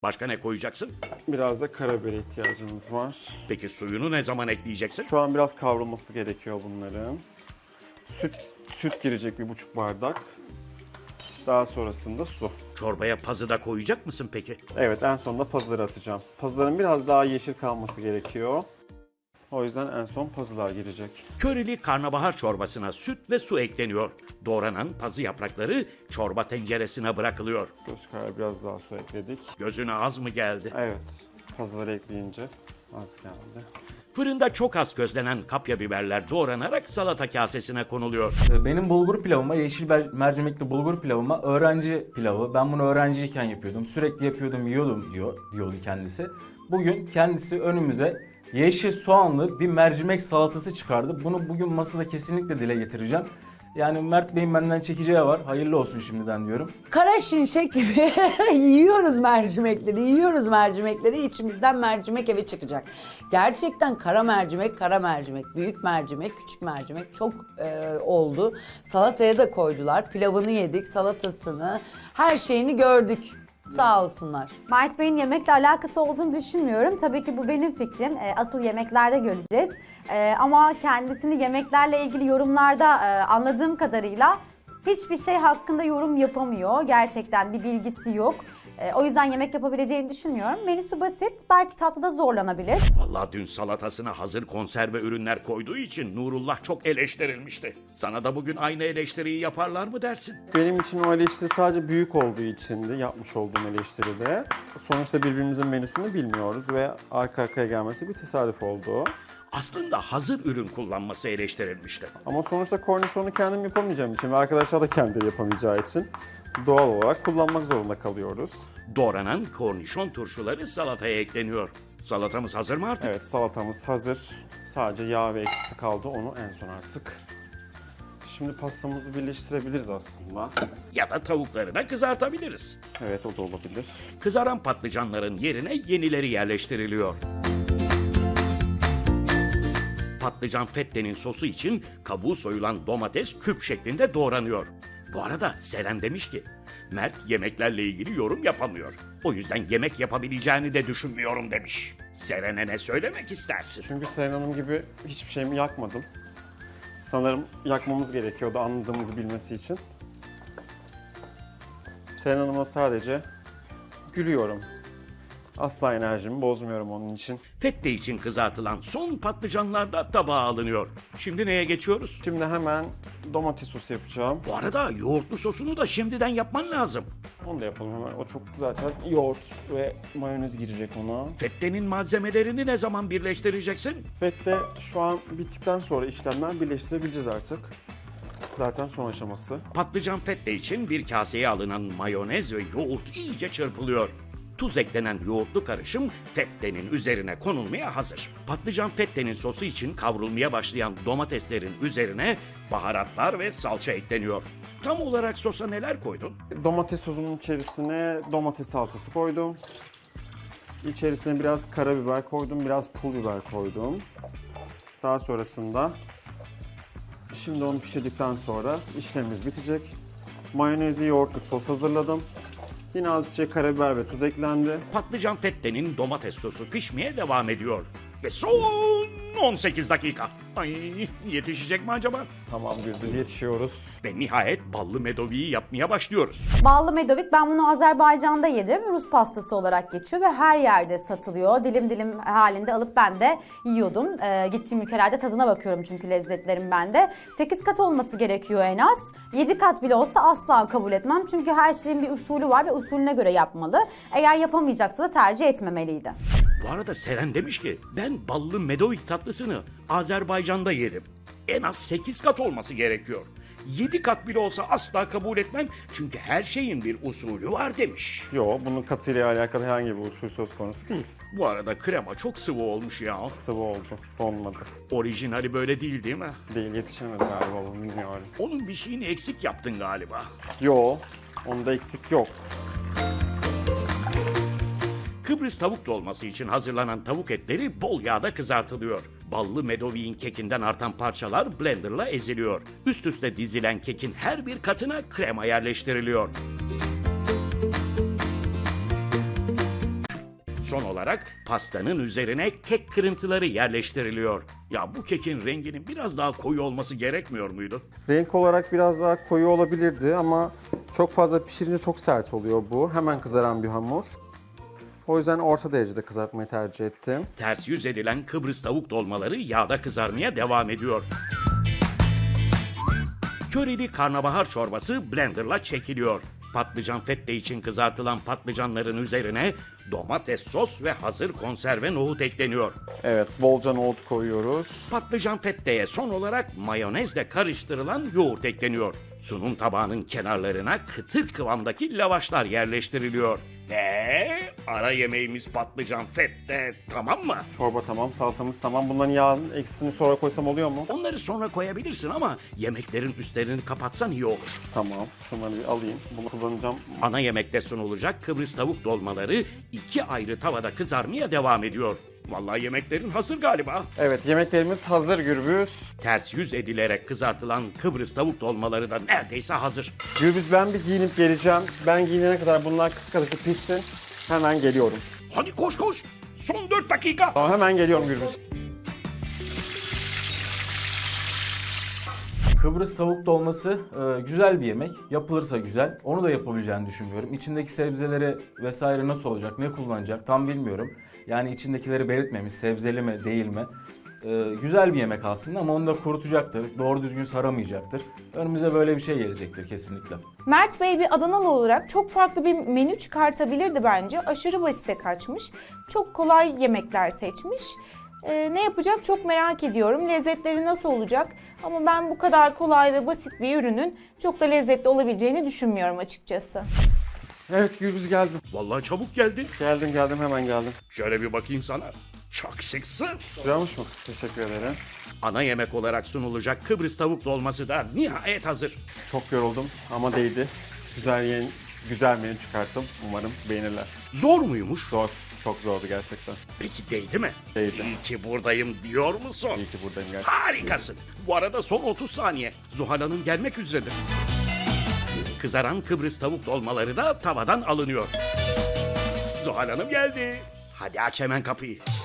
Başka ne koyacaksın? Biraz da karabibere ihtiyacımız var. Peki suyunu ne zaman ekleyeceksin? Şu an biraz kavrulması gerekiyor bunların. Süt girecek 1,5 bardak. Daha sonrasında su. Çorbaya pazı da koyacak mısın peki? Evet, en sonunda pazıları atacağım. Pazıların biraz daha yeşil kalması gerekiyor. O yüzden en son pazılar girecek. Körili karnabahar çorbasına süt ve su ekleniyor. Doğranan pazı yaprakları çorba tenceresine bırakılıyor. Göz kararı biraz daha su ekledik. Gözüne az mı geldi? Evet, pazıları ekleyince az geldi. Fırında çok az közlenen kapya biberler doğranarak salata kasesine konuluyor. Benim bulgur pilavıma, mercimekli bulgur pilavıma öğrenci pilavı. Ben bunu öğrenciyken yapıyordum. Sürekli yapıyordum, yiyordum diyordu kendisi. Bugün kendisi önümüze yeşil soğanlı bir mercimek salatası çıkardı. Bunu bugün masada kesinlikle dile getireceğim. Yani Mert Bey'in benden çekeceği var. Hayırlı olsun şimdiden diyorum. Kara şimşek gibi yiyoruz mercimekleri, içimizden mercimek evi çıkacak. Gerçekten kara mercimek, büyük mercimek, küçük mercimek çok oldu. Salataya da koydular, pilavını yedik, salatasını, her şeyini gördük. Sağ olsunlar. Mert Bey'in yemekle alakası olduğunu düşünmüyorum. Tabii ki bu benim fikrim. Asıl yemeklerde göreceğiz. Ama kendisini yemeklerle ilgili yorumlarda anladığım kadarıyla hiçbir şey hakkında yorum yapamıyor. Gerçekten bir bilgisi yok. O yüzden yemek yapabileceğini düşünmüyorum. Menüsü basit. Belki tatlıda zorlanabilir. Vallahi dün salatasına hazır konserve ürünler koyduğu için Nurullah çok eleştirilmişti. Sana da bugün aynı eleştiriyi yaparlar mı dersin? Benim için o eleştiri sadece büyük olduğu içindi, yapmış olduğum eleştiride. Sonuçta birbirimizin menüsünü bilmiyoruz ve arka arkaya gelmesi bir tesadüf oldu. Aslında hazır ürün kullanması eleştirilmişti. Ama sonuçta kornişonu kendim yapamayacağım için ve arkadaşlar da kendileri yapamayacağı için doğal olarak kullanmak zorunda kalıyoruz. Doğranan kornişon turşuları salataya ekleniyor. Salatamız hazır mı artık? Evet, salatamız hazır. Sadece yağ ve ekşisi kaldı, onu en son artık. Şimdi pastamızı birleştirebiliriz aslında. Ya da tavukları da kızartabiliriz. Evet, o da olabilir. Kızaran patlıcanların yerine yenileri yerleştiriliyor. Patlıcan fettenin sosu için kabuğu soyulan domates küp şeklinde doğranıyor. Bu arada Seren demiş ki, Mert yemeklerle ilgili yorum yapamıyor. O yüzden yemek yapabileceğini de düşünmüyorum demiş. Seren'e ne söylemek istersin? Çünkü Seren Hanım gibi hiçbir şeyimi yakmadım. Sanırım yakmamız gerekiyordu anladığımızı bilmesi için. Seren Hanım'a sadece gülüyorum. Asla enerjimi bozmuyorum onun için. Fette için kızartılan son patlıcanlar da tabağa alınıyor. Şimdi neye geçiyoruz? Şimdi hemen domates sosu yapacağım. Bu arada yoğurtlu sosunu da şimdiden yapman lazım. Onu da yapalım hemen. O çok zaten yoğurt ve mayonez girecek ona. Fettenin malzemelerini ne zaman birleştireceksin? Fette şu an bittikten sonra işlemler birleştirebileceğiz artık. Zaten son aşaması. Patlıcan fette için bir kaseye alınan mayonez ve yoğurt iyice çırpılıyor. Tuz eklenen yoğurtlu karışım fettenin üzerine konulmaya hazır. Patlıcan fettenin sosu için kavrulmaya başlayan domateslerin üzerine baharatlar ve salça ekleniyor. Tam olarak sosa neler koydun? Domates sosunun içerisine domates salçası koydum. İçerisine biraz karabiber koydum, biraz pul biber koydum. Daha sonrasında şimdi onu pişirdikten sonra işlemimiz bitecek. Mayonezi yoğurtlu sos hazırladım. Yine az bir şey karabiber ve tuz eklendi. Patlıcan fettenin domates sosu pişmeye devam ediyor. Ve son 18 dakika. Ay, yetişecek mi acaba? Tamam Gürbüz, yetişiyoruz. Ve nihayet ballı medoviyi yapmaya başlıyoruz. Ballı medovik, ben bunu Azerbaycan'da yedim. Rus pastası olarak geçiyor ve her yerde satılıyor. Dilim dilim halinde alıp ben de yiyordum. Gittiğim ülkelerde tadına bakıyorum çünkü lezzetlerim bende. 8 kat olması gerekiyor en az. 7 kat bile olsa asla kabul etmem. Çünkü her şeyin bir usulü var ve usulüne göre yapmalı. Eğer yapamayacaksa da tercih etmemeliydi. Bu arada Seren demiş ki ben ballı medovik tatlısını Azerbaycan'da yedim. En az 8 kat olması gerekiyor. 7 kat bile olsa asla kabul etmem çünkü her şeyin bir usulü var demiş. Yo, bunun katıyla alakalı herhangi bir usul söz konusu değil. Bu arada krema çok sıvı olmuş ya. Sıvı oldu, olmadı. Orijinali böyle değil mi? Değil, yetişemedi galiba bu, bilmiyorum. Onun bir şeyini eksik yaptın galiba. Yo, onda eksik yok. Kıbrıs tavuk dolması için hazırlanan tavuk etleri bol yağda kızartılıyor. Ballı medoviğin kekinden artan parçalar blenderla eziliyor. Üst üste dizilen kekin her bir katına krema yerleştiriliyor. Son olarak pastanın üzerine kek kırıntıları yerleştiriliyor. Ya bu kekin renginin biraz daha koyu olması gerekmiyor muydu? Renk olarak biraz daha koyu olabilirdi ama çok fazla pişirince çok sert oluyor bu. Hemen kızaran bir hamur. O yüzden orta derecede kızartmayı tercih ettim. Ters yüz edilen Kıbrıs tavuk dolmaları yağda kızarmaya devam ediyor. Körili karnabahar çorbası blenderla çekiliyor. Patlıcan fette için kızartılan patlıcanların üzerine domates sos ve hazır konserve nohut ekleniyor. Evet, bolca nohut koyuyoruz. Patlıcan fetteye son olarak mayonezle karıştırılan yoğurt ekleniyor. Sunum tabağının kenarlarına kıtır kıvamdaki lavaşlar yerleştiriliyor. Ara yemeğimiz patlıcan fette, tamam mı? Çorba tamam, salatamız tamam. Bunların yağın eksisini sonra koysam oluyor mu? Onları sonra koyabilirsin ama yemeklerin üstlerini kapatsan iyi olur. Tamam, şunları bir alayım. Bunu kullanacağım. Ana yemekte sunulacak Kıbrıs tavuk dolmaları 2 ayrı tavada kızarmaya devam ediyor. Vallahi yemeklerin hazır galiba. Evet, yemeklerimiz hazır Gürbüz. Ters yüz edilerek kızartılan Kıbrıs tavuk dolmaları da neredeyse hazır. Gürbüz, ben bir giyinip geleceğim. Ben giyinene kadar bunlar kısık ateşte pişsin. Hemen geliyorum. Hadi koş koş. Son 4 dakika. Tamam, hemen geliyorum Gürbüz. Kıbrıs tavuk dolması güzel bir yemek. Yapılırsa güzel. Onu da yapabileceğini düşünmüyorum. İçindeki sebzeleri vesaire nasıl olacak, ne kullanacak tam bilmiyorum. Yani içindekileri belirtmemiş, sebzeli mi değil mi? Güzel bir yemek aslında ama onu da kurutacaktır. Doğru düzgün saramayacaktır. Önümüze böyle bir şey gelecektir kesinlikle. Mert Bey bir Adanalı olarak çok farklı bir menü çıkartabilirdi bence. Aşırı basite kaçmış. Çok kolay yemekler seçmiş. Ne yapacak çok merak ediyorum. Lezzetleri nasıl olacak? Ama ben bu kadar kolay ve basit bir ürünün çok da lezzetli olabileceğini düşünmüyorum açıkçası. Evet Gürbüz, geldim. Vallahi çabuk geldin. Geldim, hemen geldim. Şöyle bir bakayım sana. Çok şıksın. Güzelmiş mi? Teşekkür ederim. Ana yemek olarak sunulacak Kıbrıs tavuk dolması da nihayet hazır. Çok yoruldum ama değdi. Güzel menü çıkarttım. Umarım beğenirler. Zor muymuş? Zor. Çok zordu gerçekten. Peki değdi mi? Değdi. İyi ki buradayım diyor musun? İyi ki buradayım gerçekten. Harikasın. Bu arada son 30 saniye. Zuhal Hanım gelmek üzeredir. Kızaran Kıbrıs tavuk dolmaları da tavadan alınıyor. Zuhal Hanım geldi. Hadi aç hemen kapıyı.